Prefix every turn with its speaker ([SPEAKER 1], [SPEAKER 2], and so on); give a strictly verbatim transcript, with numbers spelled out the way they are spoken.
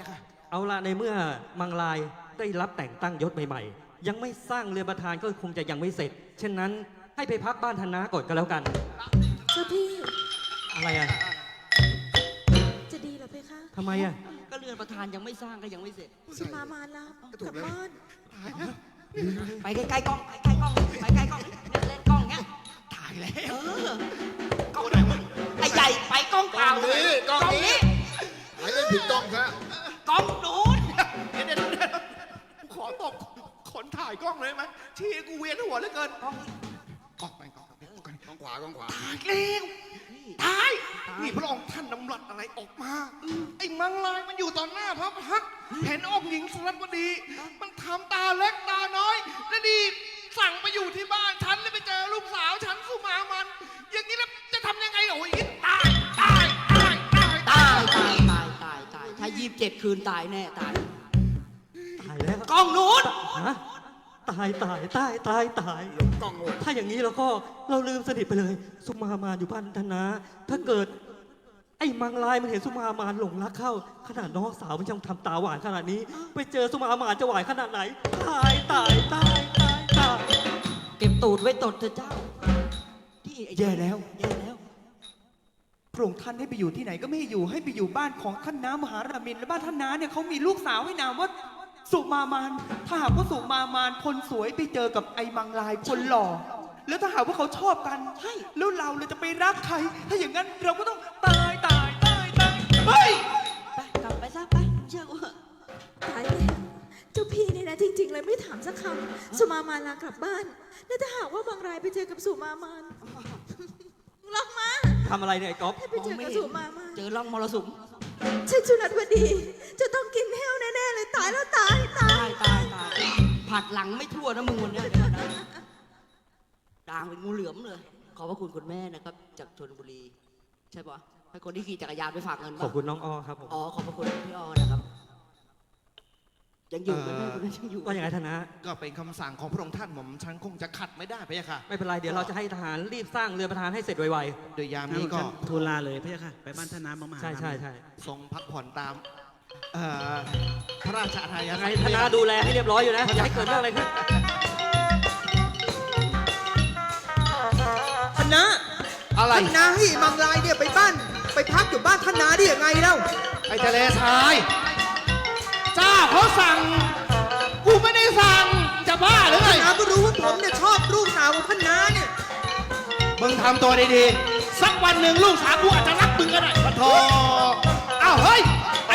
[SPEAKER 1] ค่ะ
[SPEAKER 2] เอาละในเมื่อมังลายได้รับแต่งตั้งยศใหม่ๆยังไม่สร้างเรือประธานก็คงจะยังไม่เสร็จเช่นนั้นให้ไปพักบ้านธนาก่อนก็แล้วกัน
[SPEAKER 3] เจ้าพี่
[SPEAKER 2] อะไรอ่ะ
[SPEAKER 3] จะดีเหรอเพคะ
[SPEAKER 2] ทำไมอ่ะ
[SPEAKER 4] ก็เรือนประธานยังไม่สร้างก็ยังไม่เสร็จ
[SPEAKER 3] สุมามาลา
[SPEAKER 1] ก็ถู
[SPEAKER 3] กลั
[SPEAKER 1] ก
[SPEAKER 3] บ
[SPEAKER 1] แล้ว
[SPEAKER 3] บ้าน
[SPEAKER 4] ไปใกล้ๆกล้องใกล้ๆกล้องไปใกล้ๆกล้องเนี่ยเล่นกล้องเนี้ย
[SPEAKER 1] ถ่ายแล้ว
[SPEAKER 4] เออกล้องไหนมึงไอ้ใหญ่ไปกล้องเปล่าก
[SPEAKER 1] ล้องนี้กล้องนี้ หายเล่นผิดกล้องซะ
[SPEAKER 4] กล้องนู้น
[SPEAKER 1] เดี๋ยวเดี๋ยวเดี๋ยวขอตบคนถ่ายกล้องเลยไหมชี้กูเวียนหัวเหลือเกิน
[SPEAKER 4] กล้อง
[SPEAKER 1] กล้องไปกล้องกล้องกล้องกล้องขวากล้องขวา
[SPEAKER 4] ตา
[SPEAKER 1] ตาย
[SPEAKER 4] ย
[SPEAKER 1] เร็วตาย
[SPEAKER 4] ตาย
[SPEAKER 1] นี่พระองค์ท่านนำหลัดอะไรออกมา ไอ้มังลายมันอยู่ต่อหน้าพระพักตร์เห็นองค์หญิงสรัตวดี มันทำตาเล็กตาน้อย แล้วดีสั่งมาอยู่ที่บ้านฉันแล้วไปเจอลูกสาวฉันสุมามัน อย่างนี้แล้วจะทำยังไงโอ้ยตายตายตายตาย
[SPEAKER 4] ตายตายตายตายตายถ้ายี่สิบเจ็ดคืนตายแน่ตาย
[SPEAKER 2] ตายแล้ว
[SPEAKER 4] กล้องนู้น
[SPEAKER 2] ฮะตายตายตายตายตาย
[SPEAKER 1] หลงกล้องโง่
[SPEAKER 2] ถ้าอย่างนี้เราก็เราลืมสนิทไปเลย สุมามานอยู่บ้านธนา ถ้าเกิด ไอ้มังลายมันเห็นสุมามานหลงรักเข้า ขนาดน้องสาวมันยังทำตาหวานขนาดนี้ ไปเจอสุมามานจะหวานขนาดไหน ตายตายตายตายตาย
[SPEAKER 4] เก็บตูดไว้ตดเถอะเจ้าที่ไอ้
[SPEAKER 5] แย่แล้ว
[SPEAKER 4] แย่แล้ว
[SPEAKER 5] พระองค์ท่านให้ไปอยู่ที่ไหนก็ไม่ให้อยู่ให้ไปอยู่บ้านของท่านน้ามหารามินและบ้านท่านน้าเนี่ยเขามีลูกสาวให้นามว่าสุมามานถ้าหากว่าสุมามานคนสวยไปเจอกับไอ้มังลายคนหล่อแล้วถ้าหากว่าเขาชอบกันใช่แล้วเราเราจะไปรักใคร ถ้าอย่างนั้นเราก็ต้องตายตายตายตายเฮ้ย
[SPEAKER 4] ไปกลับไปซะไปเชื่อกูเถอะ
[SPEAKER 3] ตายแล้วเจ้าพี่เนี่ยนะจริง ๆ เลยไม่ถามสักคำสุมามาลากลับบ้าน แล้วถ้าหากว่าบางรายไปเจอกับสุมามานลองมา
[SPEAKER 2] ทำอะไรเนี่ยไอ้ก๊อฟ
[SPEAKER 3] ให้ไปเจอกับสุมามาน
[SPEAKER 4] เจอร่องมรสุม
[SPEAKER 3] ฉันชุนัดวดี จะต้องกินแห้วแน่ๆเลยตายแล้วตายตาย
[SPEAKER 4] ตายตายตายผัดหลังไม่ทั่วนะมึงวันเนี้ยเดี๋ยวนะด่างเป็นงูเหลือมเลย ขอบพระคุณคุณแม่นะครับ จากชลบุรี ใช่ปะให้คนที่ขี่จักรยานไปฝากเงิน
[SPEAKER 2] ข
[SPEAKER 4] ป่ะ
[SPEAKER 2] อบคุณน้องอ้อครับผม
[SPEAKER 4] อ๋อขอบพระคุณพี่ออนะครับ ยังอยู่ไหมแม่คุณแม่ยังอยู่
[SPEAKER 2] ว่าอย่างไรธนา
[SPEAKER 1] ก็เป็นคำสั่งของพระองค์ท่านหม่อมฉันคงจะขัดไม่ได้พะยะค่ะ
[SPEAKER 2] ไม่เป็นไรเดี๋ยวเราจะให้ทหารรีบสร้างเรือประธานให้เสร็จไว
[SPEAKER 1] โดยยามนี้ก็
[SPEAKER 6] ทูลลาเลยพระเจ้าค่ะ ไปบ้านท่านน้ำมา
[SPEAKER 2] ๆ ใช่ใช่ใช่
[SPEAKER 1] ทรงพักผ่อนตามเอ่อพระราชอาณา
[SPEAKER 2] ยังไง
[SPEAKER 1] จักร
[SPEAKER 2] ธนาดูแลให้เรียบร้อยอยู่นะอย่าให้เกิดเรื่องอะไรขึ้น
[SPEAKER 5] ท่านน้า
[SPEAKER 1] อะไร
[SPEAKER 5] ท่านน้าให้มังลายเนี่ยไปบ้าน ไปพักอยู่บ้านท่านน้าได้ยังไงเล่า
[SPEAKER 1] ไอ้ทะเลทราย เจ้าเขาสั่ง กูไม่ได้สั่ง จะบ้าหรือไง
[SPEAKER 5] ท่านน้าก็รู้ว่าผมเนี่ยชอบลูกสาวของท่านน้าเนี่ย
[SPEAKER 1] มึงทำตัวดีๆ สักวันหนึ่งลูกสาวกูอาจจะรักมึงก็ได้ปะโถอ้าวเฮ้ย